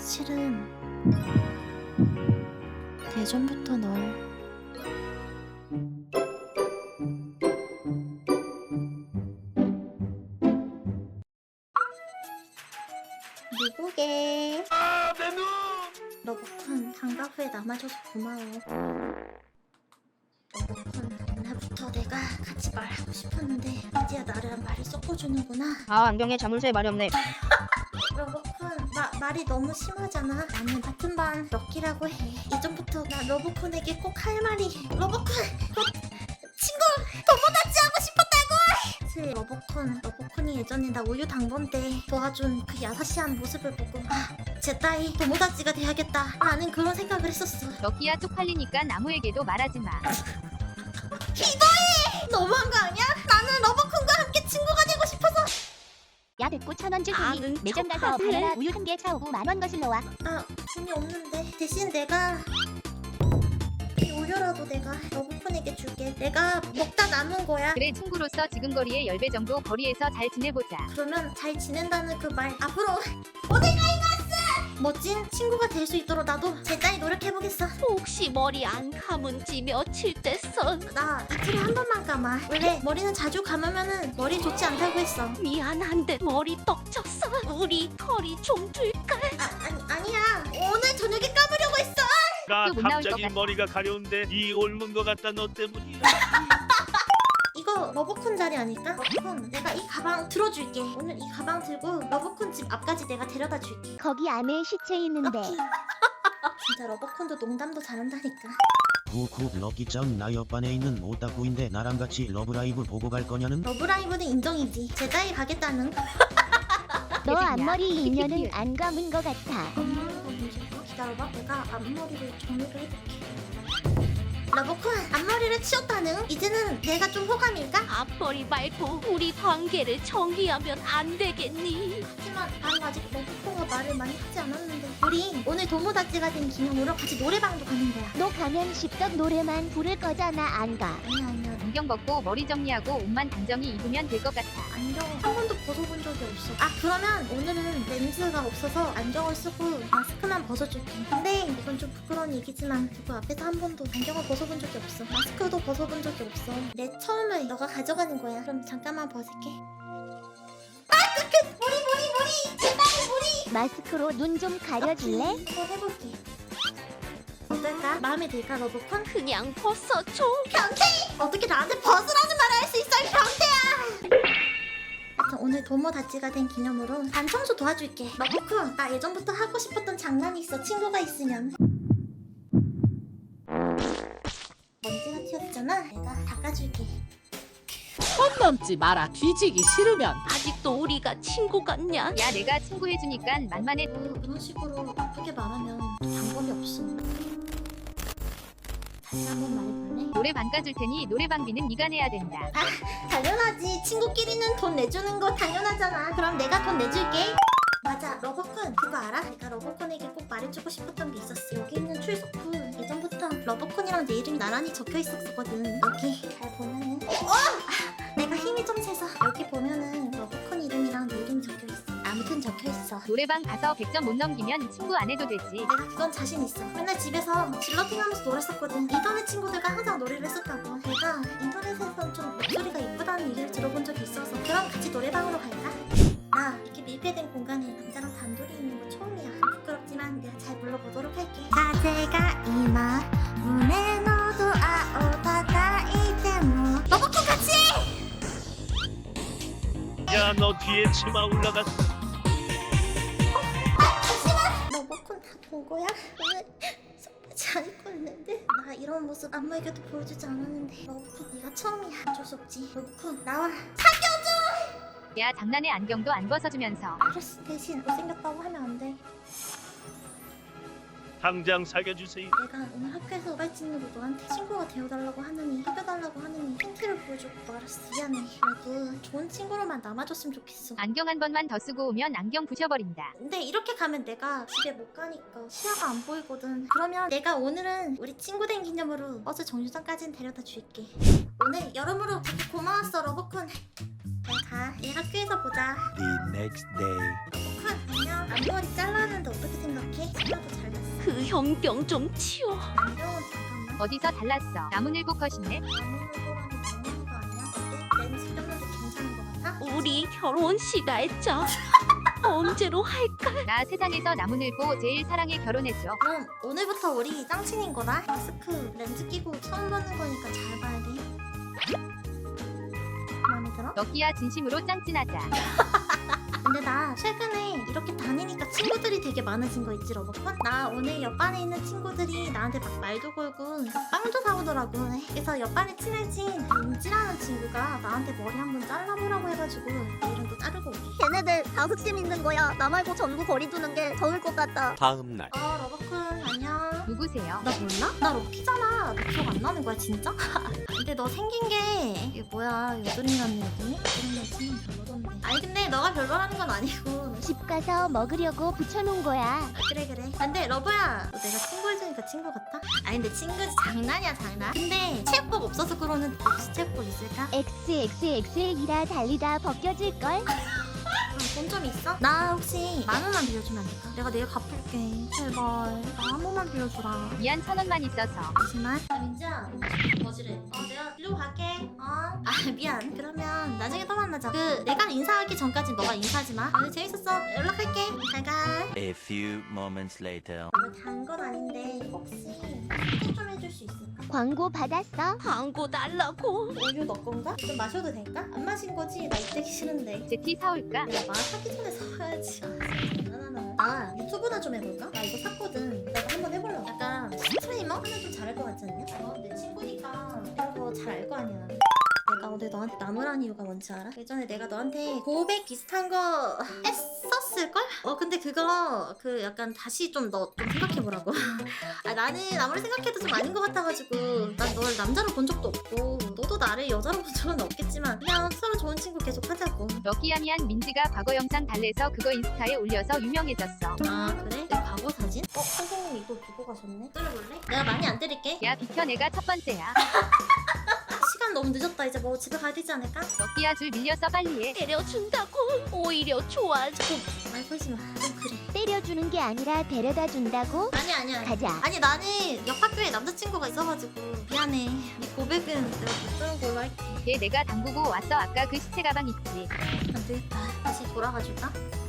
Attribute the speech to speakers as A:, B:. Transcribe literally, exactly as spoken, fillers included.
A: 사실은 예전부터 널 미국에
B: 아, 내 눈!
A: 러브콘 방학 후에 남아줘서 고마워. 러브콘 옛날부터 내가 같이 말하고 싶었는데 이제야 나랑 말을 섞어주는구나.
C: 아, 안경에 자물쇠 말이 없네.
A: 러브콘 마, 말이 너무 심하잖아. 나는 같은 반 럭키라고 해. 이전부터 나 러브콘에게 꼭 할 말이 러브콘 곧 친구 도모다치 하고 싶었다고. 사실 러브콘 러브콘이 예전에 나 우유 당번 때 도와준 그 야사시한 모습을 보고 아, 제 따위 도모다치가 돼야겠다 라는 그런 생각을 했었어.
D: 럭키야 쪽팔리니까 나무에게도 말하지 마.
A: 기도해! 너무한 거 아니야? 나는 러브콘과 함께 친구가 되고 싶어서.
C: 야, 됐고 천원 주기.
A: 아, 응,
C: 매점 가서
A: 척하네.
C: 바나나 우유 한 개 사오고 만 원 거슬러 와.
A: 아, 돈이 없는데 대신 내가 이 우유라도 내가 러브콘에게 줄게. 내가 먹다 남은 거야.
D: 그래 친구로서 지금 거리의 십 배 정도 거리에서 잘 지내보자.
A: 그러면 잘 지낸다는 그 말 앞으로 오네가이마스! 멋진 친구가 될 수 있도록 나도 제자리 노력해보겠어.
E: 혹시 머리 안 감은 지 며칠 됐어?
A: 나 이틀에 한 번만 감아. 원래 머리는 자주 감으면은 머리 좋지 않다고 했어.
E: 미안한데 머리 떡쳤어. 우리 털이 좀 줄까?
A: 아, 아니, 아니야. 오늘 저녁에 감으려고 했어.
B: 나
D: 또못 나올 것
B: 갑자기
D: 같아.
B: 머리가 가려운데 이 옮은 거 같다 너 때문이야.
A: 이거 러브콘 자리 아닐까? 러브콘 내가 이 가방 들어줄게. 오늘 이 가방 들고 러브콘 집 앞까지 내가 데려다 줄게.
C: 거기 안에 시체 있는데.
A: 럭키. 진짜 러브콘도 농담도 잘한다니까.
F: 후후 럭키짱 나 옆반에 있는 오타쿠인데 나랑 같이 러브라이브 보고 갈 거냐는?
A: 러브라이브는 인정이지. 제자리 가겠다는.
C: 너
D: 예진이야.
C: 앞머리
D: 키키키키.
C: 인연은 안 감은 거 같아.
A: 앞머리가 문제고 기다려봐. 내가 앞머리를 정리를 해볼게. 러브콘 앞머리를 치웠다는? 이제는 내가 좀 호감일까?
E: 앞머리 말고 우리 관계를 정리하면 안 되겠니?
A: 하지만 나는 아직 러브콘과 말을 많이 하지 않았는데. 우리 오늘 도모다치가 된 기념으로 같이 노래방도 가는 거야.
C: 너 가면 십덕 노래만 부를 거잖아. 안 가.
A: 아니야 아니야.
D: 안경 벗고 머리 정리하고 옷만 단정히 입으면 될 것 같아.
A: 안경 한 번도 벗어본 적이 없어. 아 그러면 오늘은 렌즈가 없어서 안경을 쓰고 마스크만 벗어줄게. 근데 이건 좀 부끄러운 얘기지만 누구 앞에서 한 번도 안경을 벗어본 적이 없어. 마스크도 벗어본 적이 없어. 내 처음을 너가 가져가는 거야. 그럼 잠깐만 벗을게. 아 그 머리 머리 머리 제발 머리.
C: 마스크로 눈 좀 가려줄래?
A: 한번 해볼게. 어떨까? 마음에 들까 러브콘?
E: 그냥 벗어줘.
A: 변태! 어떻게 나한테 벗으라는 말을 할 수 있어 이 변태야! 하여튼 오늘 도모다치가 된 기념으로 반 청소 도와줄게. 러브콘 나 예전부터 하고 싶었던 장난이 있어. 친구가 있으면. 먼지가 튀었잖아. 내가 닦아줄게.
G: 선 넘지 마라. 뒤지기 싫으면.
E: 아직도 우리가 친구 같냐?
D: 야 내가 친구 해주니까 만만해.
A: 그, 이런 식으로 나쁘게 말하면 방법이 없어. 다시 한번 말해볼래?
D: 노래방 가줄 테니 노래방비는 네가 내야 된다.
A: 당연하지. 친구끼리는 돈 내주는 거 당연하잖아. 그럼 내가 돈 내줄게. 맞아. 러브콘 그거 알아? 내가 러브콘에게 꼭 말해주고 싶었던 게 있었어. 여기 있는 출석부 예전부터 러브콘이랑 내 이름이 나란히 적혀 있었거든. 여기 잘 보면은 어! 아, 내가 힘이 좀 세서 여기 보면은 러브콘 이름이랑 내 이름이 적혀 있어. 아무튼 적혀 있어.
D: 노래방 가서 백 점 못 넘기면 친구 안 해도 되지.
A: 내가 그건 자신 있어. 맨날 집에서 질러팅하면서 노래했었거든. 인터넷 친구들과 항상 노래를 했었다고. 내가 인터넷에서 좀 목소리가 이쁘다는 얘기를 들어본 적이 있어서 그럼 같이 노래방으로 갈까? 나 이렇게 밀폐된 공간에 남자랑 단둘이 있는 거 처음이야. 부끄럽지만 내가 잘 불러보도록 할게. 가제가 이마 문에 너도 아오다다 이제모 러브콘 같이!
B: 야 너 뒤에 치마 올라갔어.
A: 러브콘 다 본 거야? 오늘 섭하지 않을 거였는데 나 이런 모습 아무에게도 보여주지 않았는데 러브콘 네가 처음이야. 어쩔 수 없지. 러브콘 나와.
D: 야 장난에 안경도 안 벗어주면서.
A: 알았어. 대신 못생겼다고 하면 안 돼.
B: 당장 사겨주세요.
A: 내가 오늘 학교에서 우발진으로 너한테 친구가 되어달라고 하느니 사귀어달라고 하느니 힌트를 보여주고 말았어. 미안해. 그래도 좋은 친구로만 남아줬으면 좋겠어.
D: 안경 한 번만 더 쓰고 오면 안경 부셔버린다.
A: 근데 이렇게 가면 내가 집에 못 가니까 시야가 안 보이거든. 그러면 내가 오늘은 우리 친구 된 기념으로 버스 정류장까지는 데려다 줄게. 오늘 여러모로 되게 고마웠어 러브콘. 잘 가. 내일 학교에서 보자.
F: The next day.
A: 러브콘 안녕. 앞머리 잘라는데 어떻게 생각해?
E: 병병 좀 치워.
A: 안경은 잠깐만.
D: 어디서 달랐어? 나무늘보 컷이네.
A: 나무늘보라는 먹는 거 아니야? 어때? 렌즈 꼈는데 괜찮은 거 같아?
E: 우리 결혼식 알자. 언제로 할까?
D: 나 세상에서 나무늘보 제일 사랑해 결혼해줘.
A: 그럼 오늘부터 우리 짱친인 거다. 마스크 렌즈 끼고 처음 보는 거니까 잘 봐야 돼. 마음에 들어?
D: 너끼야 진심으로 짱찐하자.
A: 근데 나 최근에 이렇게 다니니까 친구들이 되게 많아진 거 있지 러버콘? 나 오늘 옆반에 있는 친구들이 나한테 막 말도 걸고 막 빵도 사오더라고. 그래서 옆반에 친해진 윤지라는 친구가 나한테 머리 한번 잘라보라고 해가지고 내일은 또 자르고 올게.
H: 걔네들 다 흑심 있는 거야. 나 말고 전부 거리두는 게 좋을 것 같다.
I: 다음 날
A: 어 러버콘 안녕.
D: 누구세요?
A: 나 몰라? 나 럭키잖아. 너 기억 안 나는 거야 진짜? 근데 너 생긴 게 이게 뭐야 여드름이라는 얘기? 그런 거지 별로던데. 아니 근데 너가 별로라는 건 아니고.
C: 집 가서 먹으려고 붙여놓은 거야.
A: 아, 그래 그래. 근데 러브야 너 내가 친구 해주니까 친구 같아? 아니 근데 친구지 장난이야 장난. 근데 체육복 없어서 그러는 혹시 체육복 있을까?
C: 엑스엑스엑스이라 달리다 벗겨질걸?
A: 돈 좀 있어? 나 혹시 만 원만 빌려주면 안 될까? 내가 내일 갚을게. 제발 나 한 번만 빌려주라.
D: 미안 천 원만 있어서.
A: 잠시만. 아 민지야 거지래. 어 내가 빌리고 갈게. 어? 아 미안. 그러면 나중에 또 만나자. 그 내가 인사하기 전까지 너가 인사하지 마. 오늘 재밌었어. 연락할게. 잘가.
I: A few moments later
A: 이거 단 건 아닌데 혹시 소개 좀 해줄 수 있을까?
C: 광고 받았어?
E: 광고 달라고.
A: 우유 너 건가? 좀 마셔도 될까? 안 마신 거지? 나 이때기 싫은데.
D: 제티 사올까?
A: 야, 말 하기 전에 사야지. 장난하나. 아, 유튜브나 좀 해볼까? 나 이거 샀거든. 내가 한번 해보려고. 약간 스트리머? 하면 좀 잘할 것 같지 않냐? 어, 내 친구니까 이런 거 잘 알 거 아니야. 내가 오늘 너한테 나무란 이유가 뭔지 알아? 예전에 내가 너한테 고백 비슷한 거 했었을걸? 어 근데 그거 그 약간 다시 좀 너 좀 생각해보라고. 아, 나는 아무리 생각해도 좀 아닌 것 같아가지고 난 널 남자로 본 적도 없고 너도 나를 여자로 본 적은 없겠지만 그냥 서로 좋은 친구 계속 하자고.
D: 너끼야 미안 민지가 과거 영상 달래서 그거 인스타에 올려서 유명해졌어.
A: 아 그래? 내 과거 사진? 어? 선생님 이거 두고 가셨네? 때려볼래? 내가 많이 안 때릴게.
D: 야 비켜 내가 첫 번째야.
A: 시간 너무 늦었다. 이제 뭐 집에 가야 되지 않을까?
D: 너끼야 줄 밀려서 빨리 해.
E: 때려준다고. 오히려 좋아져.
A: 말 걸지 마. 좀 그래.
C: 때려주는 게 아니라 데려다 준다고?
A: 아니 아니야.
C: 가자.
A: 아니 나는 옆 학교에 남자친구가 있어가지고 미안해. 네 고백은 내가 못 들은 걸로 할게.
D: 걔 내가 담그고 왔어 아까 그 시체 가방 있지.
A: 안 되겠다. 다시 돌아가 줄까?